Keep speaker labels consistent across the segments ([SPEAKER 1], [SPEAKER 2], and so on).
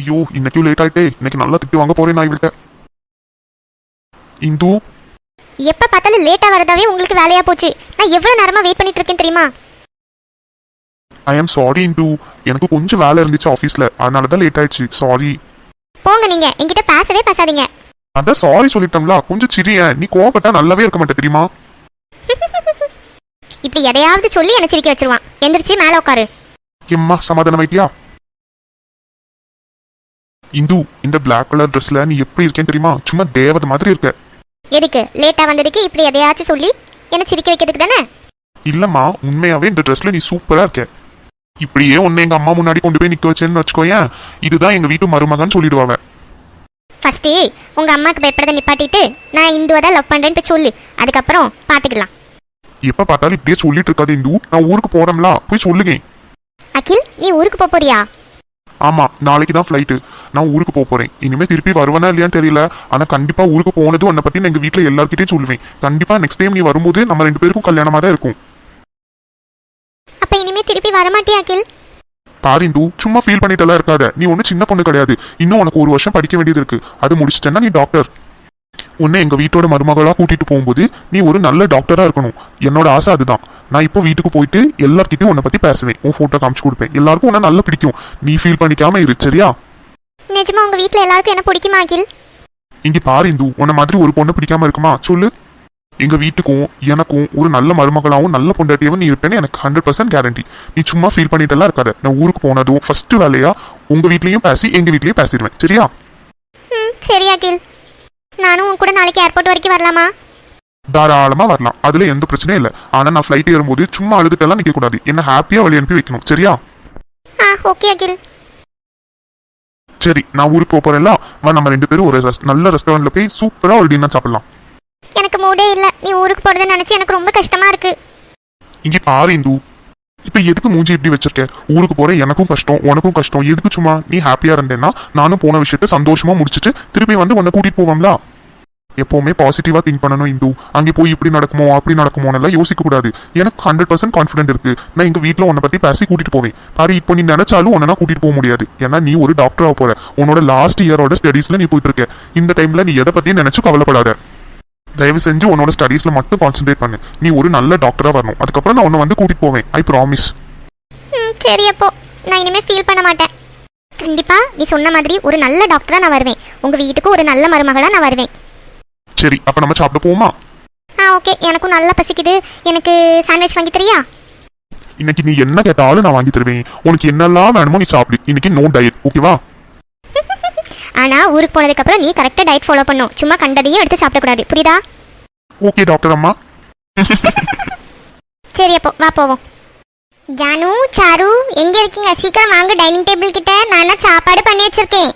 [SPEAKER 1] ஐயோ இன்னைக்கு லேட் ஆயிட்டே. இன்னைக்கு நல்லா திட்டு வாங்க போறேன் நான் இவள்கிட்ட. இந்து
[SPEAKER 2] எப்ப பார்த்தாலும் லேட்டா வரதாவே உங்களுக்கு வேலையா போச்சு. நான் எவ்வளவு நேரமா வெயிட் பண்ணிட்டு இருக்கேன் தெரியுமா?
[SPEAKER 1] ஐ ஆம் சாரி இந்து, எனக்கு கொஞ்சம் வேலை இருந்துச்சு ஆஃபீஸ்ல, அதனால தான் லேட் ஆயிடுச்சு. சாரி.
[SPEAKER 2] போங்க, நீங்க என்கிட்ட பேசவே பேசாதீங்க.
[SPEAKER 1] அதான் சாரி சொல்லிட்டோம்ல, கொஞ்சம் சிரியா. நீ கோவப்பட்டா நல்லாவே இருக்க மாட்டே தெரியுமா?
[SPEAKER 2] இப்படி எதையாவது சொல்லி என்ன சிரிக்க வச்சிருவான். எந்திரிச்சு மேல உட்காரு.
[SPEAKER 1] எம்மா சமாதானம் ஆயிட்டியா? இந்து, இந்த பிளாக் கலர் ட்ரெஸ்ல நீ எப்படி இருக்கேன்னு தெரியுமா? சும்மா தேவதை மாதிரி இருக்க.
[SPEAKER 2] எதுக்கு லேட்டா வந்ததுக்கு இப்படி எதையாச்சும் சொல்லி என்ன சிரிக்க வைக்கிறதுக்கு தானே?
[SPEAKER 1] இல்லம்மா, உண்மையாவே இந்த ட்ரெஸ்ல நீ சூப்பரா இருக்க. இப்படியே உன்னை எங்க அம்மா முன்னாடி கொண்டு போய் நிக்க வச்சேன்னு வச்சுக்கோயேன், இதுதான் எங்க வீட்டு மருமகன்னு சொல்லிடுவாங்க.
[SPEAKER 2] ஃபர்ஸ்ட் உங்க அம்மாக்கு பயப்படுறத நிப்பாட்டிட்டு நான் இந்துவை தான் லவ் பண்றேன்னு போய் சொல்லு, அதுக்கப்புறம் பாத்துக்கலாம்.
[SPEAKER 1] எப்ப பார்த்தாலும் இப்படியே சொல்லிட்டு இருக்காது இந்து. நான் ஊருக்கு போறேன்ல, போய் சொல்லுங்க.
[SPEAKER 2] அகில், நீ ஊருக்கு போறியா?
[SPEAKER 1] ஆமா, நாளைக்கு தான் ஃப்ளைட்டு. நான் ஊருக்கு போறேன். இனிமே திருப்பி வருவேனா இல்லையான்னு தெரியல. ஆனா கண்டிப்பா ஊருக்கு போனதும் உன்னை பத்தி நான் எங்க வீட்டுல எல்லார்கிட்டயும் சொல்லுவேன். கண்டிப்பா நெக்ஸ்ட் டைம் நீ வரும்போது நம்ம 2 பேருக்கும் கல்யாணமா தான் இருக்கும்.
[SPEAKER 2] அப்ப இனிமே திருப்பி வரமாட்டியா அகில்?
[SPEAKER 1] பாரு இந்து, சும்மா ஃபீல் பண்ணிட்டெல்லாம் இருக்காத. நீ ஒன்னும் சின்ன பொண்ணு கிடையாது. இன்னும் உனக்கு 1 வருஷம் படிக்க வேண்டியது இருக்கு. அது முடிச்சிட்டேன்னா நீ டாக்டர். உன்னை எங்க வீட்டோட மருமகளா கூட்டிட்டு போகும்போது நீ ஒரு நல்ல டாக்டரா இருக்கணும். என்னோட ஆசை அதுதான். நான் இப்போ வீட்டுக்கு போயிட்டு எல்லார்கிட்டையும் உன்னை பத்தி பேசுவேன். உன் போட்டோ காமிச்சு கொடுப்பேன். எல்லாருக்கும் உன்னை நல்லா பிடிக்கும். நீ ஃபீல் பண்ணிக்காம இரு, சரியா?
[SPEAKER 2] நிஜமா உங்க வீட்ல எல்லாருக்கும் என்ன பிடிக்குமா அகில்?
[SPEAKER 1] இங்க பாரு இந்து, உன்னை மாதிரி ஒரு பொண்ணு பிடிக்காம இருக்குமா சொல்லு? எங்க வீட்டுக்கும் எனக்கும் ஒரு நல்ல மருமகளாவும் நல்ல பொண்டாட்டியாவும் நீ இருப்பேன்னு எனக்கு 100% கேரண்டி. நீ சும்மா ஃபீல் பண்ணிட்டெல்லாம் இருக்காத. நான் ஊருக்கு போனதும் ஃபர்ஸ்ட் வேலையா உங்க வீட்லயும் பேசி எங்க வீட்லயும் பேசிடுவேன், சரியா?
[SPEAKER 2] சரி அகில், நானும் உன் கூட நாளைக்கு ஏர்போர்ட் வரைக்கும் வரலாமா?
[SPEAKER 1] தாராளமா வரலாம், அதுல எந்த பிரச்சனையும் இல்லை. ஆனா நான் ஃபிளைட் ஏறும்போது சும்மா அழுதுட்டெல்லாம் நிக்க கூடாது. என்ன ஹாப்பியா வழி அனுப்பி வைக்கணும், சரியா?
[SPEAKER 2] ஓகே அகில்.
[SPEAKER 1] சரி, நான் ஊருக்கு போறேன்ல, வா நம்ம 2 பேரும் ஒரு நல்ல ரெஸ்டாரண்ட்ல போய் சூப்பரா ஒரு டின்னர் சாப்பிடலாம்.
[SPEAKER 2] எனக்கு மூடே இல்ல. நீ ஊருக்கு போறத நினைச்சு எனக்கு ரொம்ப கஷ்டமா இருக்கு.
[SPEAKER 1] இங்க பாரு இந்து, இப்ப எதுக்கு மூஞ்சி இப்படி வச்சிருக்க? ஊருக்கு போற எனக்கும் கஷ்டம், உனக்கும் கஷ்டம். எதுக்கு? சும்மா நீ ஹாப்பியா இருந்தேன்னா நானும் போன விஷயத்த சந்தோஷமா முடிச்சுட்டு திருப்பி வந்து உன்னை கூட்டிட்டு போவோம்ல. எப்பவுமே பாசிட்டிவா திங்க் பண்ணணும் இந்து. அங்கே போய் இப்படி நடக்குமோ அப்படி நடக்குமோன்னெல்லாம் யோசிக்க கூடாது. எனக்கு 100% கான்ஃபிடென்ட் இருக்கு. நான் எங்க வீட்டுல உன்னை பத்தி பேசி கூட்டிட்டு போவேன். பாரு, இப்போ நீ நினைச்சாலும் உன்னை கூட்டிட்டு போக முடியாது. ஏன்னா நீ ஒரு டாக்டரா போற. உன்னோட லாஸ்ட் இயரோட ஸ்டடீஸ்ல நீ போயிட்டு இருக்க. இந்த டைம்ல நீ எதை பத்தியும் நினைச்சு கவலைப்படாத. தயவு செஞ்சு உன்னோட ஸ்டடீஸ்ல மட்டும் கான்சென்ட்ரேட் பண்ணு. நீ ஒரு நல்ல டாக்டரா வரணும். அதுக்கப்புறம் நான் உன்னை வந்து கூட்டிட்டு போவேன். I promise.
[SPEAKER 2] சரி, அப்போ நான் இனிமே ஃபீல் பண்ண மாட்டேன். கண்டிப்பா நீ சொன்ன மாதிரி ஒரு நல்ல டாக்டரா நான் வருவேன். உங்க வீட்டுக்கு ஒரு நல்ல மருமகளா நான் வருவேன்.
[SPEAKER 1] சரி, அப்ப நம்ம சாப்பிட போவோமா?
[SPEAKER 2] ஓகே, எனக்கும் நல்லா பசிக்குது. எனக்கு சாண்ட்விச் வாங்கி தரியா?
[SPEAKER 1] இன்னைக்கு நீ என்ன கேட்டாலும் நான் வாங்கி தருவேன். உனக்கு என்னெல்லாம் வேணுமோ நீ சாப்பிடு. இன்னைக்கு நோ டயட், ஓகேவா?
[SPEAKER 2] ஆனா ஊருக்கு போனதுக்கு அப்புறம் நீ கரெக்டா டயட் ஃபாலோ பண்ணும். சும்மா கண்டதையும் எடுத்து சாப்பிடக்கூடாது, புரியுதா?
[SPEAKER 1] ஓகே டாக்டர் அம்மா.
[SPEAKER 2] சரி, அப்போ வா போவோம். ஜானு, சாரு, எங்க இருக்கீங்க? சீக்கிரம் வாங்க டைனிங் டேபிள் கிட்ட. நான் சாப்பாடு பண்ணி வச்சிருக்கேன்.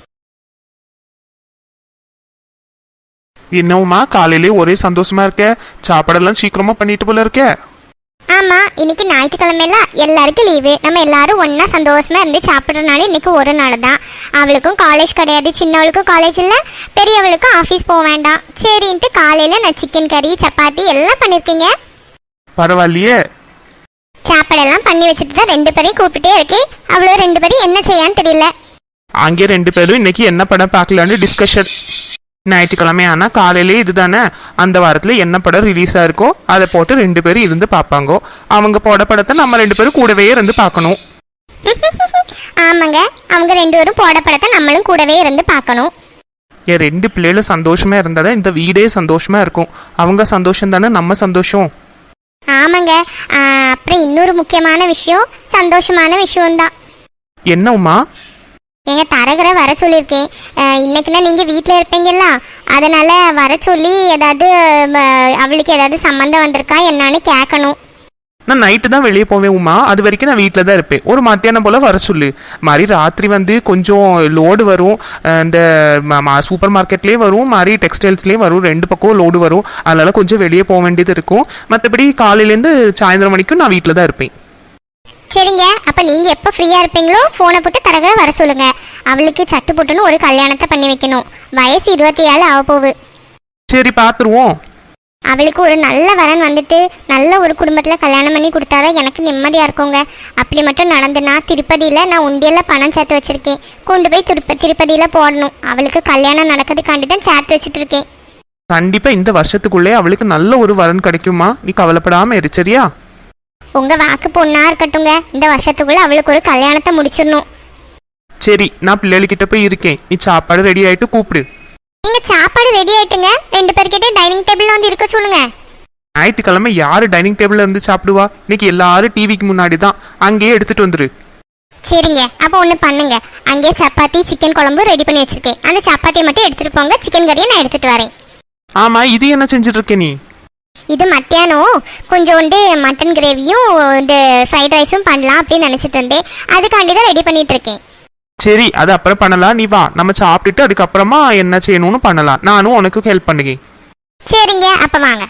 [SPEAKER 3] என்னவுமா காலையிலே ஒரே சந்தோஷமா இருக்க? சாப்பாடெல்லாம் சீக்கிரமா பண்ணிட்டு போல இருக்க.
[SPEAKER 2] ஆமா, இன்னைக்கு ஞாயிற்றுக்கிழமைல எல்லாருக்கும் லீவு. நம்ம எல்லாரும் ஒன்னா சந்தோஷமா இருந்து சாப்பிட்றதுனால இன்னைக்கு ஒரு நாள் தான். அவளுக்கும் காலேஜ் கிடையாது, சின்னவளுக்கும் காலேஜ் இல்லை, பெரியவளுக்கும் ஆஃபீஸ் போக வேண்டாம். சரின்ட்டு காலையில நான் சிக்கன் கறி சப்பாத்தி எல்லாம் பண்ணிருக்கீங்க.
[SPEAKER 3] பரவாயில்லையே.
[SPEAKER 2] சாப்பாடெல்லாம் பண்ணி வச்சுட்டு தான் 2 பேரையும் கூப்பிட்டே இருக்கேன். அவ்வளோ 2 பேரும் என்ன செய்யான்னு தெரியல.
[SPEAKER 3] அங்கே 2 பேரும் இன்னைக்கு என்ன படம் பார்க்கலான்னு டிஸ்கஷன். ஞாயிற்றுக்கிழமை ஆனா காலையிலே இதுதானே. அந்த வாரத்துல என்ன படம் ரிலீஸ் ஆயிருக்கோ அதை போட்டு 2 பேரும் இருந்து பார்ப்பாங்க. அவங்க போட படத்தை நம்ம 2 பேரும் கூடவே இருந்து பார்க்கணும்.
[SPEAKER 2] ஆமாங்க, அவங்க 2 பேரும் போட படத்தை நம்மளும் கூடவே இருந்து பார்க்கணும்.
[SPEAKER 3] என் 2 பிள்ளைகளும் சந்தோஷமா இருந்தாதான் இந்த வீடே சந்தோஷமா இருக்கும். அவங்க சந்தோஷம் தானே நம்ம சந்தோஷம்.
[SPEAKER 2] ஆமாங்க. அப்புறம் இன்னொரு முக்கியமான விஷயம், சந்தோஷமான விஷயம்தான்.
[SPEAKER 3] என்னம்மா?
[SPEAKER 2] எங்க தரகரை வர சொல்லியிருக்கேன். இன்னைக்குன்னா நீங்க வீட்டில் இருப்பீங்கல்ல, அதனால வர சொல்லி ஏதாவது அவளுக்கு ஏதாவது சம்மந்தம் வந்திருக்கா என்னன்னு கேட்கணும்.
[SPEAKER 3] நான் நைட்டு தான் வெளியே போவேன் உமா. அது வரைக்கும் நான் வீட்டில் தான் இருப்பேன். ஒரு மத்தியானம் போல் வர சொல்லு. மாதிரி ராத்திரி வந்து கொஞ்சம் லோடு வரும். இந்த சூப்பர் மார்க்கெட்லேயே வரும், மாதிரி டெக்ஸ்டைல்ஸ்லேயும் வரும். 2 பக்கம் லோடு வரும். அதனால கொஞ்சம் வெளியே போக வேண்டியது இருக்கும். மற்றபடி காலையிலேருந்து சாயந்தரம் வரைக்கும் நான் வீட்டில் தான் இருப்பேன்.
[SPEAKER 2] சரிங்க, அப்போ நீங்கள் எப்போ ஃப்ரீயாக இருப்பீங்களோ ஃபோனை போட்டு தரகரை வர சொல்லுங்க. அவளுக்கு சட்டு போட்டுன்னு ஒரு கல்யாணத்தை பண்ணி வைக்கணும். வயசு 27 ஆக போகுது.
[SPEAKER 3] சரி, பார்த்துருவோம்.
[SPEAKER 2] அவளுக்கு ஒரு நல்ல வரன் வந்துட்டு நல்ல ஒரு குடும்பத்தில் கல்யாணம் பண்ணி கொடுத்தாதான் எனக்கு நிம்மதியாக இருக்குங்க. அப்படி மட்டும் நடந்துனா திருப்பதியில் நான் உண்டியலில் பணம் சேர்த்து வச்சுருக்கேன். கொண்டு போய் திருப்பதியில் போடணும். அவளுக்கு கல்யாணம் நடக்கிறதுக்காண்டி தான் சேர்த்து வச்சுட்டு இருக்கேன்.
[SPEAKER 3] கண்டிப்பா இந்த வருஷத்துக்குள்ளே அவளுக்கு நல்ல ஒரு வரன் கிடைக்குமா, நீ கவலைப்படாம இரு சரியா?
[SPEAKER 2] உங்கள் வாக்கு பொண்ணா இருக்கட்டுங்க. இந்த வருஷத்துக்குள்ளே அவளுக்கு ஒரு கல்யாணத்தை முடிச்சிடணும்.
[SPEAKER 3] சரி, நான் பிள்ளைகிட்ட போய் இருக்கேன், நீ சாப்பாடு ரெடி ஆயிட்டு கூப்பிடு.
[SPEAKER 2] நீங்கள் சாப்பாடு ரெடி ஆயிட்டுங்க. 2 பேர்கிட்டே டைனிங் டேபிளில் வந்து இருக்க சொல்லுங்க.
[SPEAKER 3] ஞாயிற்றுக்கிழமை யாரு டைனிங் டேபிள்ல இருந்து சாப்பிடுவா? இன்னைக்கு எல்லாரும் டிவிக்கு முன்னாடி தான், அங்கேயே எடுத்துட்டு வந்துரு.
[SPEAKER 2] சரிங்க, அப்போ ஒன்று பண்ணுங்க. அங்கேயே சப்பாத்தி சிக்கன் குழம்பு ரெடி பண்ணி வச்சிருக்கேன். அந்த சப்பாத்தியை மட்டும் எடுத்துகிட்டு போங்க. சிக்கன் கறியை நான் எடுத்துகிட்டு வரேன்.
[SPEAKER 3] ஆமா, இது என்ன செஞ்சுட்டு இருக்க நீ?
[SPEAKER 2] இது மத்தியானம் கொஞ்சோண்டு மட்டன் கிரேவியும் இந்த ஃப்ரைட் ரைஸும் பண்ணலாம் அப்படின்னு நினச்சிட்டு இருந்தேன். அதுக்காண்டி தான் ரெடி பண்ணிட்டு இருக்கேன்.
[SPEAKER 3] சரி, அது அப்புறம் பண்ணலாம், நீ வா நம்ம சாப்பிட்டுட்டு அதுக்கப்புறமா என்ன செய்யணும்னு பண்ணலாம். நானும் உனக்கு ஹெல்ப் பண்ணுங்க.
[SPEAKER 2] சரிங்க, அப்போ வாங்க.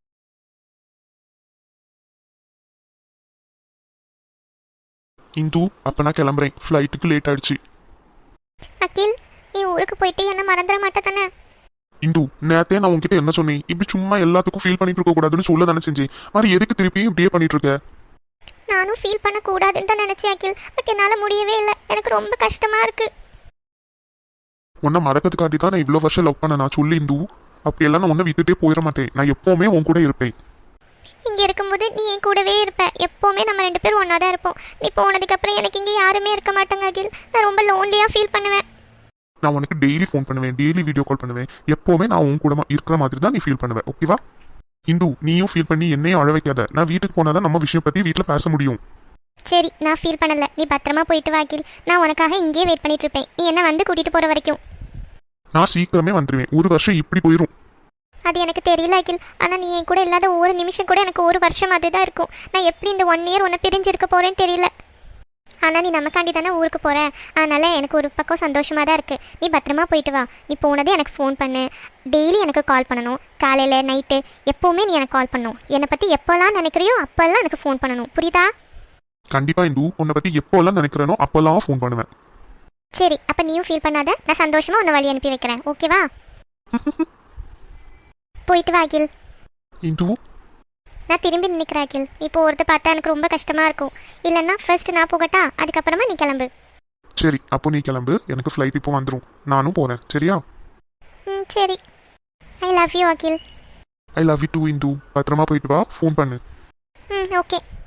[SPEAKER 1] இந்து, அப்ப நான் கிளம்புறேன். ஃப்ளைட்டுக்கு லேட் ஆயிடுச்சு.
[SPEAKER 2] அகில், நீ ஊருக்கு போயிட்டு என்ன மறந்துட மாட்டே தானே?
[SPEAKER 1] இந்து, நேரத்தே நான் உன்கிட்ட என்ன சொன்னேன்? இப்படி சும்மா எல்லாத்துக்கும் ஃபீல் பண்ணிட்டு இருக்க கூடாதுன்னு சொல்ல தானே செஞ்சேன். மாதிரி எதுக்கு திருப்பியும் இப்படியே பண்ணிட்டு இருக்க?
[SPEAKER 2] நானும் ஃபீல் பண்ணக்கூடாதுன்னு தான் நினச்சேன் அகில். பட் என்னால் முடியவே இல்லை. எனக்கு ரொம்ப கஷ்டமா இருக்கு.
[SPEAKER 1] உன்னை மறக்கிறதுக்காண்டி தான் நான் இவ்வளோ வருஷம் லவ் பண்ண. நான் சொல்லி இந்து, அப்படியெல்லாம் நான் உன்னை விட்டுட்டே போயிட மாட்டேன். நான் எப்பவுமே உன் கூட இருப்பேன்.
[SPEAKER 2] இங்கே இருக்கும்போது நீ என் கூடவே இருப்ப. எப்போவுமே நம்ம 2 பேரும் ஒன்றா தான் இருப்போம். நீ போனதுக்கப்புறம் எனக்கு இங்கே யாருமே இருக்க மாட்டாங்க அகில். நான் ரொம்ப லோன்லியாக ஃபீல் பண்ணுவேன்.
[SPEAKER 1] நான் உனக்கு டெய்லி ஃபோன் பண்ணுவேன், டெய்லி வீடியோ கால் பண்ணுவேன். எப்பவுமே நான் உன் கூட இருக்கிற மாதிரி தான் நீ ஃபீல் பண்ணுவேன். ஓகேவா? இந்து, நீயும் ஃபீல் பண்ணி என்னையும் அழ வைக்காத. நான் வீட்டுக்கு போனாதான் நம்ம விஷயம் பற்றி வீட்டில் பேச முடியும்.
[SPEAKER 2] சரி, நான் ஃபீல் பண்ணலை. நீ பத்திரமா போயிட்டு வா அகில். நான் உனக்காக இங்கேயே வெயிட் பண்ணிட்டு இருப்பேன். நீ என்ன வந்து கூட்டிகிட்டு போகிற வரைக்கும்.
[SPEAKER 1] நான் சீக்கிரமே வந்துடுவேன். ஒரு வருஷம் இப்படி போயிடும்.
[SPEAKER 2] அது எனக்கு தெரியல அகில். ஆனால் நீ என் கூட இல்லாத ஒரு நிமிஷம் கூட எனக்கு ஒரு வருஷம் அதுதான் இருக்கும். நான் எப்படி இந்த 1 இயர் உன்னை பிரிஞ்சிருக்க போகிறேன்னு தெரியல. ஆனால் நீ நமக்காண்டி தானே ஊருக்கு போகிற. அதனால் எனக்கு ஒரு பக்கம் சந்தோஷமாக தான் இருக்குது. நீ பத்திரமா போயிட்டு வா. நீ போனதே எனக்கு ஃபோன் பண்ணு. டெய்லி எனக்கு கால் பண்ணணும். காலையில் நைட்டு எப்போவுமே நீ எனக்கு கால் பண்ணணும். என்னை பற்றி எப்போல்லாம் நினைக்கிறியோ அப்போல்லாம் எனக்கு ஃபோன் பண்ணணும். புரியுதா?
[SPEAKER 1] கண்டிப்பா இந்து, உன்னை பற்றி எப்போல்லாம் நினைக்கிறேனோ அப்போல்லாம் ஃபோன் பண்ணுவேன்.
[SPEAKER 2] சரி, அப்போ நீயும் ஃபீல் பண்ணாத. நான் சந்தோஷமாக உன்னை வழி அனுப்பி வைக்கிறேன். ஓகேவா? போயிட்டு வா அகில்.
[SPEAKER 1] இந்து,
[SPEAKER 2] நான் திரும்பி நினைக்கிறேன் அகில். நீ போகிறத பார்த்தா எனக்கு ரொம்ப கஷ்டமாக இருக்கும். இல்லைன்னா ஃபர்ஸ்ட் நான் போகட்டா, அதுக்கப்புறமா நீ கிளம்பு.
[SPEAKER 1] சரி, அப்போ நீ கிளம்பு. எனக்கு ஃப்ளைட் இப்போ வந்துடும். நானும் போகிறேன். சரியா?
[SPEAKER 2] சரி. I love you Akil.
[SPEAKER 1] I love you too Indhu. பத்திரமா போயிட்டு வா. ஃபோன் பண்ணு.
[SPEAKER 2] ஓகே.